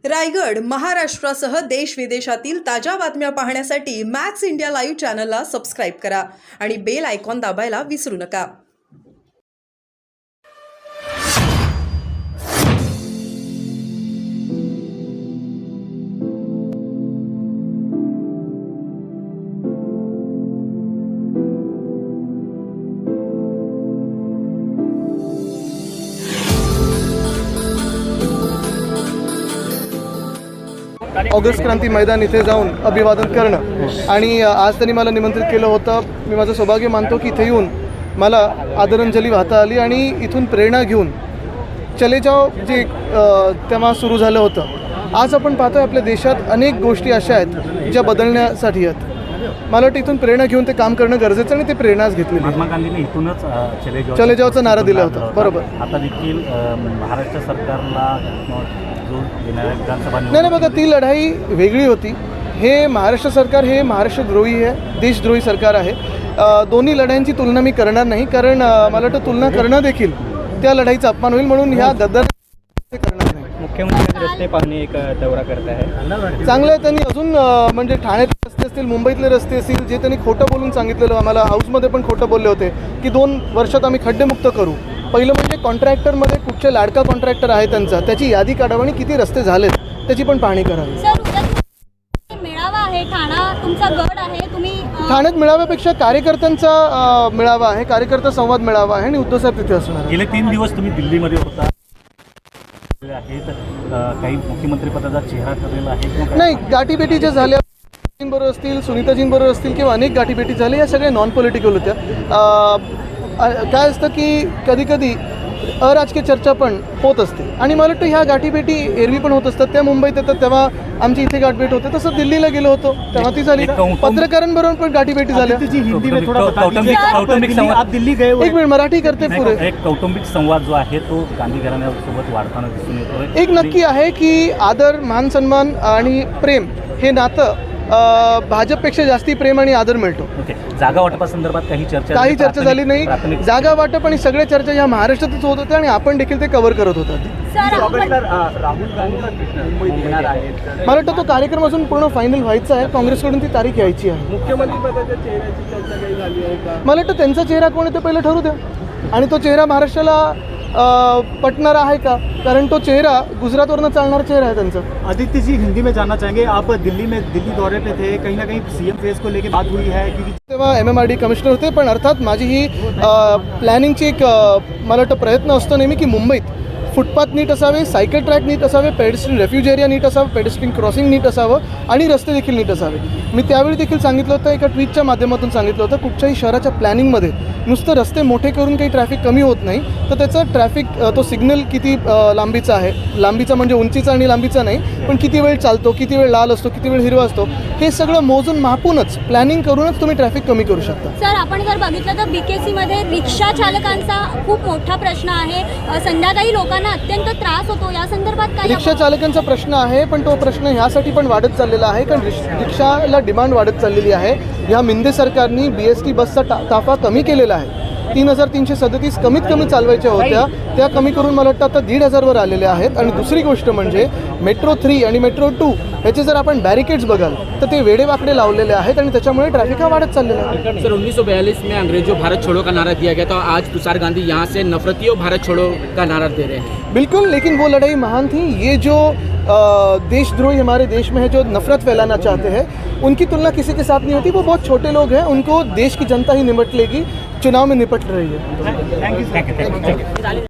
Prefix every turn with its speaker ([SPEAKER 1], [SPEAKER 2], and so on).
[SPEAKER 1] रायगड, महाराष्ट्रासह देश विदेशातील ताज्या बातम्या पाहण्यासाठी मॅक्स इंडिया लाईव्ह चॅनलला सबस्क्राईब करा आणि बेल आयकॉन दाबायला विसरू नका.
[SPEAKER 2] ऑगस्ट क्रांती मैदान इथे जाऊन अभिवादन करणं आणि आज त्यांनी मला निमंत्रित केलं होतं. मी माझं सौभाग्य मानतो की इथे येऊन मला आदरांजली वाहता आली आणि इथून प्रेरणा घेऊन चले जाओ जे तेव्हा सुरू झालं होतं. आज आपण पाहतोय आपल्या देशात अनेक गोष्टी अशा आहेत ज्या बदलण्यासाठी आहेत. मला वाटतं इथून प्रेरणा घेऊन ते काम करणं गरजेचं आणि ते प्रेरणाच घेतली.
[SPEAKER 3] महात्मा गांधींनी इथूनच
[SPEAKER 2] चले जाओचा नारा दिला होता. बरोबर.
[SPEAKER 3] आता देखील महाराष्ट्र सरकारला
[SPEAKER 2] नाही बघा, ती लढाई वेगळी होती. हे महाराष्ट्र सरकार हे महाराष्ट्रद्रोही आहे, देशद्रोही सरकार आहे. दोन्ही लढाईंची तुलना मी करणार नाही, कारण मला वाटतं तुलना करणं देखील त्या लढाईचा अपमान होईल. म्हणून ह्या गद्दार करणार नाही.
[SPEAKER 4] मुख्यमंत्री रस्ते पाहणे एक दौरा करत आहे.
[SPEAKER 2] चांगलं आहे. त्यांनी अजून म्हणजे ठाण्यातले रस्ते असतील, मुंबईतले रस्ते असतील, जे त्यांनी खोटं बोलून सांगितलेलं, आम्हाला हाऊसमध्ये पण खोटं बोलले होते की 2 वर्षात आम्ही खड्डेमुक्त करू. पहिलं म्हणजे कॉन्ट्रॅक्टरमध्ये कुठचे लाडका कॉन्ट्रॅक्टर आहे त्यांचा, त्याची यादी काढावी आणि किती रस्ते झालेत त्याची पण पाहणी करावी.
[SPEAKER 5] मेळावा आहे, ठाणा तुमचा गड आहे, तुम्ही
[SPEAKER 2] ठाण्यात मेळाव्यापेक्षा कार्यकर्त्यांचा मेळावा आहे, कार्यकर्ता संवाद मेळावा आहे आणि उद्धव साहेब तिथे असणार.
[SPEAKER 3] गेले 3 दिवस तुम्ही दिल्लीमध्ये होता, काही मुख्यमंत्री पदाचा चेहरा ठरलेला आहे?
[SPEAKER 2] नाही, गाठीभेटी झाल्या बरोबर असतील, सुनीताजींबरोबर असतील किंवा अनेक गाठीभेटी झाल्या, या सगळ्या नॉन पॉलिटिकल होत्या. काय असतं की कधी कधी अराजकीय चर्चा पण होत असते आणि मला वाटतं ह्या गाठीभेटी एरवी पण होत असतात. त्या मुंबईत येतात तेव्हा आमची इथे गाठभेट होते, तसं दिल्लीला गेलो होतो तेव्हा ती झाली. पत्रकारांबरोबर पण गाठीभेटी झाल्या. एक मिनिट, मराठी करते पुरे.
[SPEAKER 3] एक कौटुंबिक संवाद जो आहे तो गांधी घराण्यासोबत वाढताना दिसून येतोय.
[SPEAKER 2] एक नक्की आहे की आदर, मान सन्मान आणि प्रेम हे नातं भाजपपेक्षा जास्ती प्रेम आणि आदर मिळतो.
[SPEAKER 3] जागा वाटपासंदर्भात काही चर्चा
[SPEAKER 2] झाली नाही. जागा वाटप आणि सगळ्या चर्चा ह्या महाराष्ट्रातच होत होत्या आणि आपण देखील ते कव्हर करत होतात. मला वाटतं तो कार्यक्रम अजून पूर्ण फायनल व्हायचा आहे. काँग्रेसकडून ती तारीख यायची आहे.
[SPEAKER 4] मुख्यमंत्री पदाच्या चेहऱ्याची चर्चा काही झाली आहे का?
[SPEAKER 2] मला वाटतं त्यांचा चेहरा कोण आहे ते पहिलं ठरू द्या आणि तो चेहरा महाराष्ट्राला पटणारा आहे का, कारण तो चेहरा गुजरातवरनं चालणारा चेहरा आहे त्यांचा.
[SPEAKER 4] आदित्य जी, हिंदी में जानना चाहेंगे, आप दिल्ली दौरे पे थे, कहीं ना कहीं सीएम फेस को लेके बात हुई है? क्योंकि
[SPEAKER 2] तेव्हा MMRD कमिशनर होते, पण अर्थात माझी ही प्लॅनिंगची एक मला वाटतं प्रयत्न असतो नेहमी की मुंबईत फुटपाथ नीट असावे, सायकल ट्रॅक नीट असावे, पेडेस्ट्रियन रेफ्यूज एरिया नीट असावं, पेडेस्ट्रियन क्रॉसिंग नीट असावं आणि रस्ते देखील नीट असावे. मी त्यावेळी देखील सांगितलं होतं, एका ट्विटच्या माध्यमातून सांगितलं होतं, कुठच्याही शहराच्या प्लॅनिंगमध्ये नुसतं रस्ते मोठे करून काही ट्रॅफिक कमी होत नाही, तर त्याचं ट्रॅफिक तो सिग्नल किती लांबीचा आहे, लांबीचा म्हणजे उंचीचा आणि लांबीचा नाही, पण किती वेळ चालतो, किती वेळ लाल असतो, किती वेळ हिरवा असतो, हे सगळं मोजून मापूनच प्लॅनिंग करूनच तुम्ही ट्रॅफिक कमी करू शकता.
[SPEAKER 5] सर, आपण जर बघितलं तर BKC मध्ये रिक्षा चालकांचा खूप मोठा प्रश्न आहे. संध्याकाळी लोकांना अत्यंत त्रास होतो. या संदर्भात काय?
[SPEAKER 2] रिक्षा चालकांचा प्रश्न आहे, पण तो प्रश्न ह्यासाठी पण वाढत चाललेला आहे कारण रिक्षाला डिमांड वाढत चाललेली आहे. ह्या मिंदे सरकारनी BST बसचा ताफा कमी केलेला आहे. 3,337 कमीत कमी चालवायच्या होत्या, त्या कमी करून मला वाटतं आता 1,500वर आलेल्या आहेत. आणि दुसरी गोष्ट म्हणजे मेट्रो 3 आणि मेट्रो 2 ह्याचे जर आपण बॅरिकेड्स बघाल तर ते वेडेवाकडे लावलेले आहेत आणि त्याच्यामुळे ट्रॅफिक हा वाढत चाललेला आहे.
[SPEAKER 6] सर, 1942 में अंग्रेजों भारत छोड़ो का नारा दिया गया था, आज तुषार गांधी यहाँ से नफरतियों भारत छोड़ो का नारा दे रहे हैं.
[SPEAKER 2] बिल्कुल, लेकिन वो लड़ाई महान थी. ये जो देशद्रोही हमारे देश में है, जो नफरत फैलाना चाहते हैं, उनकी तुलना किसी के साथ नहीं होती. वो बहुत छोटे लोग हैं, उनको देश की जनता ही निपट लेगी, चुनाव में निपट रही है.
[SPEAKER 3] थँक्यू.